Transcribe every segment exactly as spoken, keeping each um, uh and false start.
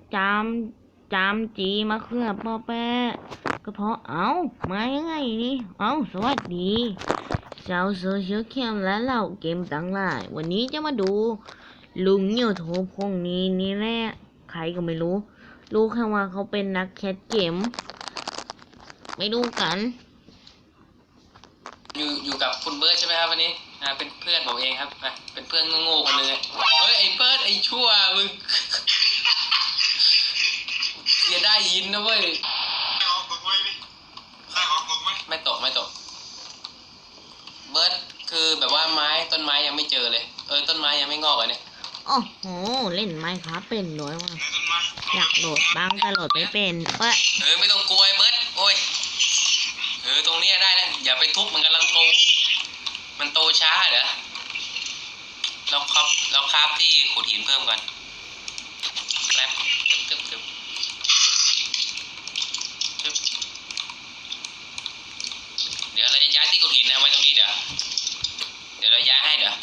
จามจามจีมะเขือปอแปะก็เพราะเอามายังไงนี่เอาสวัสดีชาวโซเชียลแคมและเหล่าเกมต่างหลายวันนี้จะมาดูลุงเหยี่ยวโถพงนี้นี่แหละใครก็ไม่รู้รู้แค่ว่าเขาเป็นนักแคสเกมไม่ดูกันอยู่อยู่กับคุณเบิร์ดใช่ไหมครับวันนี้อ่าเป็นเพื่อนผมเองครับอ่ะเป็นเพื่อนโง่ๆคนนึงเฮ้ยไอ้เบิร์ดไอ้ชั่วมึงเสียได้ยินนะเว้ยไม่ออกตกไหมไม่ออกตกไหมไม่ตกไม่ตกเบิร์ดคือแบบว่าไม้ต้นไม้ยังไม่เจอเลยเออต้นไม้ยังไม่งอกเลยเนี่ยโอ้โหเล่นไม้ครับเป็นน้อยว่ะอยากโหลดบ้างแต่โหลดไม่เป็นเว้ยเออไม่ต้องกลัวไอ้เบิร์ดโอ้ยเออตรงนี้ได้นะอย่าไปทุบมันกำลังโตมันโตช้าเหรอเราครับเราคราฟที่ขุดหินเพิ่มก่อนแป๊บตึ๊บตึ๊บตึ๊บตึ๊บเดี๋ยวเราจะย้ายที่ขุดหินนะไว้ตรงนี้เดี๋ยวเดี๋ยวเราย้ายให้เดี๋ยว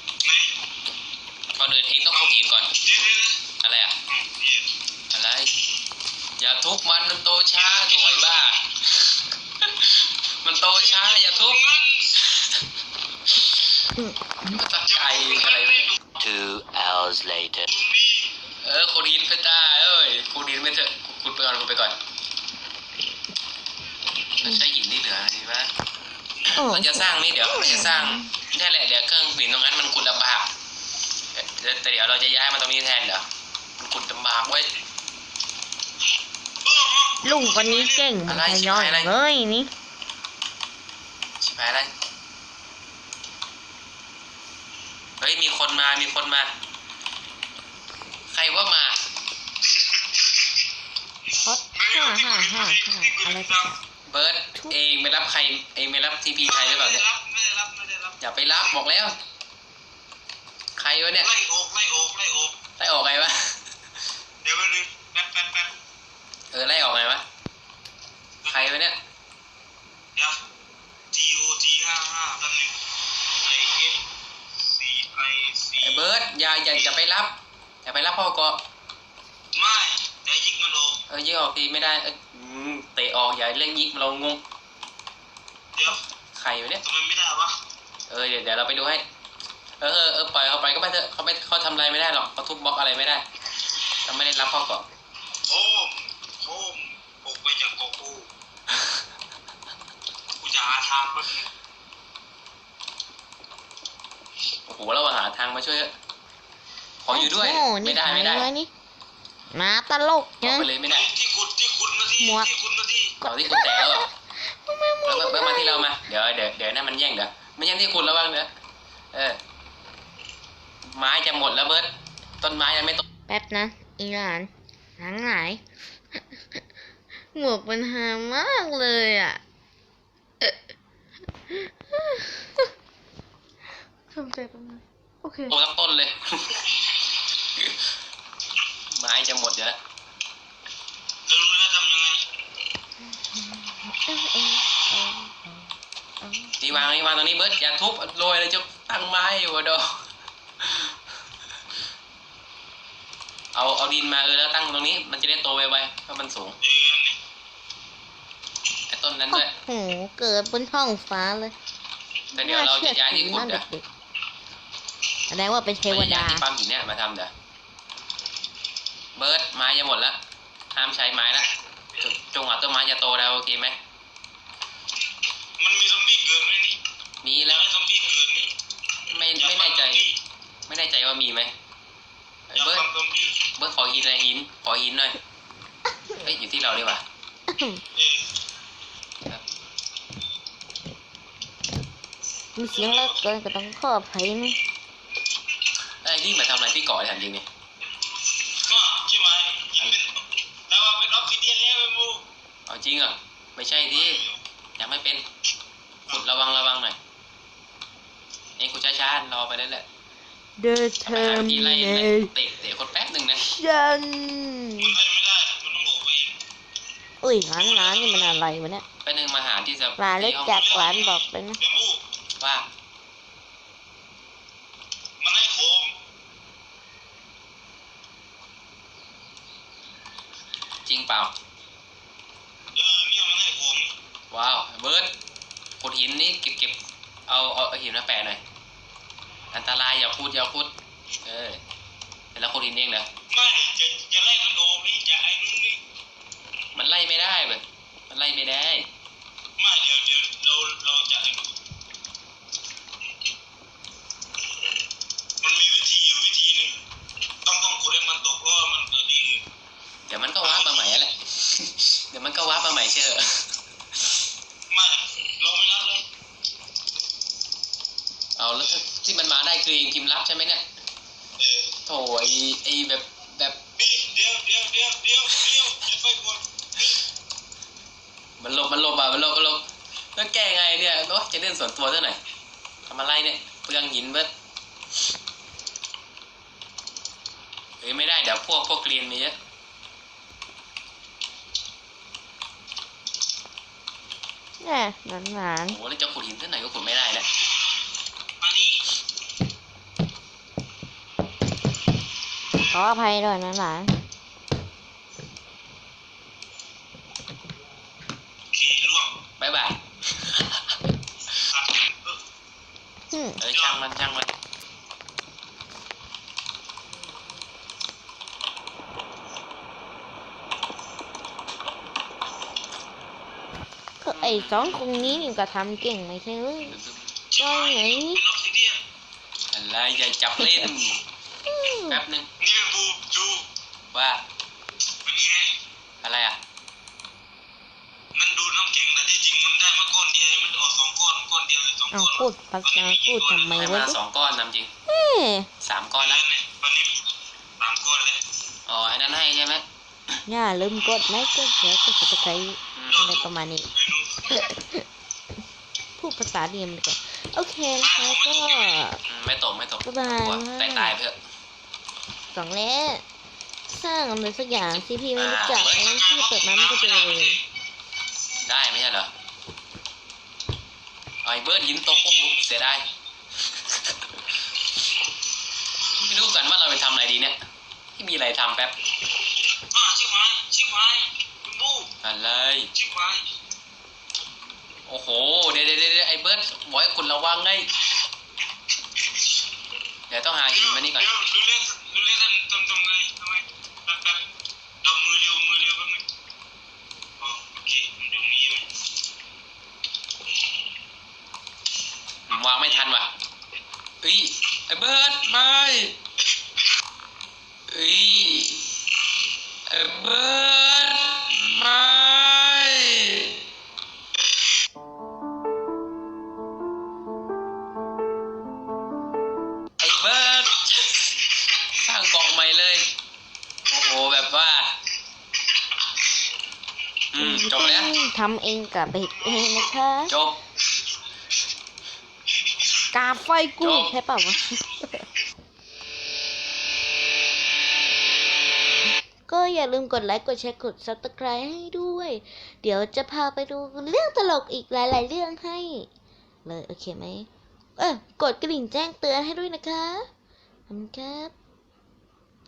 ก่อนอื่นเองต้องขุดหินก่อนอะไรอ่ะอะไรอย่าทุบมันมันโตช้าถอยบ้ามันโตช้าอย่าทุบตัดใจอะไร Two hours later เออขุดหินไปตาเอ้ยขุดหินไปเถอะขุดไปก่อนขุดไปก่อนเราใช้หินที่เหลือดีป่ะเราจะสร้างนี่เดี๋ยวเราจะสร้างนี่แหละเดี๋ยวเครื่องหินตรงนั้นมันขุดลำบากแต่เดี๋ยวเราจะย้ายมาตรงนี้แทนเดี๋ยวมันขุดลำบากไว้ลุงคนนี้เก่งมันทยอยเลยนี่ชิบหายแล้วเฮ้ยมีคนมามีคนมาใครว่ามาฮอตฮ่าฮ่าฮ่าอะไรกันเบิร์ดเองไม่รับใครเองไม่รับทีพีใครหรือเปล่าเนี่ยไม่ได้รับไม่ได้รับอย่าไปรับบอกแล้วใครวะเนี่ยไล่ออกไล่ออกไล่ออกไล่ออกไงวะเดี๋ยวไปดูแป๊บแป๊บแป๊บเออไล่ออกไงวะใครวะเนี่ยเดี๋ยว G O G ห้าห้าตำแหน่ง I F C I C ไอ้เบิร์ดอย่าอย่าอย่าไปรับอย่าไปรับพ่อก็ไม่แต่ยิงมันออกเออยิงออกทีไม่ได้เออเตะออกอย่าเล่นยิงเรางงเดี๋ยวใครวะเนี่ยทำไมไม่ได้วะเออเดี๋ยวเดี๋ยวเราไปดูให้เออเออเออปล่อยเขาไปก็ไปเถอะเขาไม่เขาทำอะไรไม่ได้หรอกเขาทุบบล็อกอะไรไม่ได้เราไม่ได้รับพ่อก็โอ้โหปกไปจากโกกูกูจะหาทางมันโอ้โหเราหาทางมาช่วยขออยู่ด้วยไม่ได้ไม่ได้มาตลกเนี่ยไปเลยไม่ได้ที่ขุดที่ขุดมาที่ที่ขุดมาที่ต่อที่ขุดแต่แล้วแล้วเบิร์ดมาที่เรามาเดี๋ยวเดี๋ยวเดี๋ยวนั่นมันแย่งเดี๋ยวไม่ใช่ที่ขุดแล้วบ้างเดี๋ยวเออไม้จะหมดแล้วเบิร์ดต้นไม้ยังไม่โตแป๊บนะอีหลานทั้งหลายหมวกมันหามากเลยอ่ะทำใจประมาณโอเคโตทั้งต้นเลยไม้จะหมดอยู่แล้วรู้แล้วทำยังไงตีวางนี่วางตรงนี้เบิร์ดอย่าทุบโรยเลยจะตั้งไม้อยู่วะดอเอาเอาดินมาเออแล้วตั้งตรงนี้มันจะได้โตไวๆเพราะมันสูงไอ้ต้นนั้นด้วยโอ้โหเกิดบนท้องฟ้าเลยแต่เดี๋ยวเราจะย้ายที่ขุดเดี๋ยวแสดงว่าเป็นเทวดาที่ปั๊มหินเนี่ยมาทำเดี๋ยวเบิร์ดไม้จะหมดแล้วห้ามใช้ไม้แล้วจงหวะต้นไม้จะโตแล้วโอเคไหมมันมีซอมบี้เกิดไหมนี่มีแล้วซอมบี้เกิดนี่ไม่ไม่แน่ใจไม่แน่ใจว่ามีไหมเบิร์ดเบิร์ดขอหินอะไรหินขอหินหน่อยเฮ้ยอยู่ที่เราดีกว่ามีเสียงแล้วเกินก็ต้องขออภัยนะไอ้นี่มาทำอะไรที่เกาะถามจริงนี่ก็ใช่ไหมแล้วว่าเป็นออฟฟิเดียนแล้วไอ้มูเอาจริงเหรอไม่ใช่ที่ยังไม่เป็นขุดระวังระวังหน่อยเองขุดช้าๆรอไปเรื่อยๆเดินเทอร์มิเนตเตะเตะคนแป๊บหนึ่งนะฉันมันไม่ได้มันต้องบอกไปอุ้ยร้านร้านนี่มันอะไรวะเนี่ยไปหนึ่งมาหาที่จะร้านเล็กจากร้านบอกไปนะว่ามันให้โคมจริงเปล่าเออเนี่ยมันให้ผมว้าวเบิร์ดขุดหินนี่เก็บเก็บเอาเอาเอาหินมาแปะหน่อยอันตรายอย่าพูดอย่าพูดเออแล้วขุดหินเองเหรอไม่จะจะไล่มันโอมนี่จะไอ้นู่นนี่มันไล่ไม่ได้เบิร์ดมันไล่ไม่ได้ไม่เดี๋ยวเดี๋ยวเราเราจะมันมีวิธีอยู่วิธีนึงต้องต้องขุดให้มันตกเพราะมันเกิดดีเดี๋ยวมันก็ว้ามาใหม่แหละ เดี๋ยวมันก็ว้ามาใหม่เชื่อไม่เราไม่รับเลยเอาแล้วที่มันมาได้คือเองพิมพ์รับใช่ไหมเนี่ยโถไอไอแบบแบบนี่เดี๋ยวเดี๋ยวเดี๋ยวเดี๋ยวเดี๋ยวอย่าไปกดมันหลบมันหลบอ่ะมันหลบมันหลบแล้วแก้ไงเนี่ยโอ้จะเล่นส่วนตัวเท่าไหร่ทำอะไรเนี่ยเปลืองหินเบิดเฮ้ยไม่ได้เดี๋ยวพวกพวกเกรียนมีเยอะเนี่ยหวานหวานโอ้แล้วจะขุดหินที่ไหนก็ขุดไม่ได้นะขออภัยด้วยนะหลานบายบายเออช่างมันช่างมันก็ไอ้สองคนนี้นี่ก็ทำเก่งไม่ใช่หรือก็ไงอะไรอย่าจับเล่นแป๊บนึงนี่เป็นบูจูว่าอะไรอ่ะมันดูน้ำแข็งแต่ที่จริงมันได้มาก้อนเดียวมันออกสองก้อนก้อนเดียวหรือสองก้อนพูดภาษาพูดทำไมวะสองก้อนนำจริงสามก้อนแล้ววันนี้สามก้อนเลยอ๋อไอ้นั้นให้ใช่ไหมอย่าลืมกดไลค์กดแชร์กดซับสไครต์อะไรประมาณนี้พูดภาษาเดียมดีกว่าโอเคนะคะก็ไม่ตกไม่ตกบ๊ายบายตายตายเพื่อสองแล้วสร้างอะไรสักอย่างที่พี่ไม่รู้จักแล้วที่เปิดมาไม่ก็เจอเลยได้ไม่ใช่เหรอไอ้เบิร์ดหินตกโอ้โหเสียดายไม่รู้กันว่าเราไปทำอะไรดีเนี่ยที่มีอะไรทำแป๊บชิบหายชิบหายคุณบูอะไรชิบหายโอ้โหเดี๋ยวเดี๋ยวไอ้เบิร์ดบอกให้คุณระวังไงเดี๋ยวต้องหาหินมานี่ก่อนดูเล่นดูเล่นทำทำไงทำไมแป๊บแป๊บเรามือเร็วมือเร็วแป๊บนึงอ๋อโอเคมันอยู่นี่ไหมวางไม่ทันว่ะเอ้ยไอ้เบิร์ดไม่เอ้ยไอ้เบิร์ดไม่สร้างกล่องใหม่เลยโอ้โหแบบว่าอืมจบแล้วทำเองกับเบ็ดเองนะคะจบกาไฟกูใช่เปล่าวะก็อย่าลืมกดไลค์กดแชร์กด ซับสไครบ์ ให้ด้วยเดี๋ยวจะพาไปดูเรื่องตลกอีกหลายๆเรื่องให้เลยโอเคไหมเออกดกระดิ่งแจ้งเตือนให้ด้วยนะคะขอบคุณครับ